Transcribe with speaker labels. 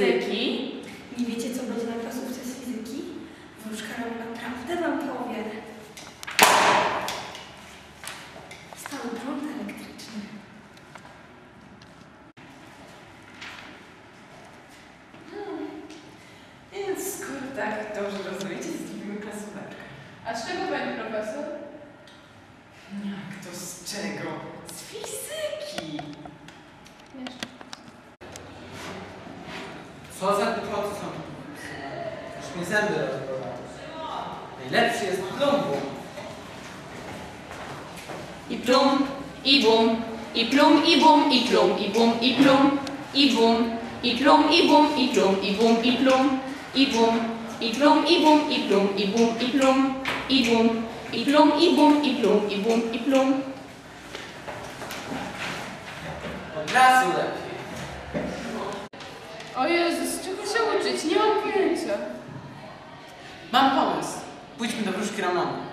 Speaker 1: fizyki.
Speaker 2: Nie wiecie, co będzie na klasówce z fizyki? Wróżka nam naprawdę wam powie. Stały prąd elektryczny.
Speaker 3: Więc skoro tak dobrze rozumiecie, zrobimy klasóweczkę.
Speaker 1: A z czego pani profesor?
Speaker 3: Jak to z czego? Z fizyki!
Speaker 1: Jeszcze.
Speaker 4: Co za głupoty są? Już mi zęby rozbolały. Najlepszy jest plumbum.
Speaker 1: I plum, i bum, i plum, i bum, i plum, i bum, i plum, i bum, i plum, i bum, i plum, i bum, i plum, i bum, i plum, i bum, i plum, i bum, i plum, i bum, i plum, i bum, i plum, i bum, i plum.
Speaker 4: Od razu lepiej.
Speaker 1: O Jezus, czego się uczyć? Nie mam pojęcia.
Speaker 4: Mam pomysł. Pójdźmy do wróżki Ramona.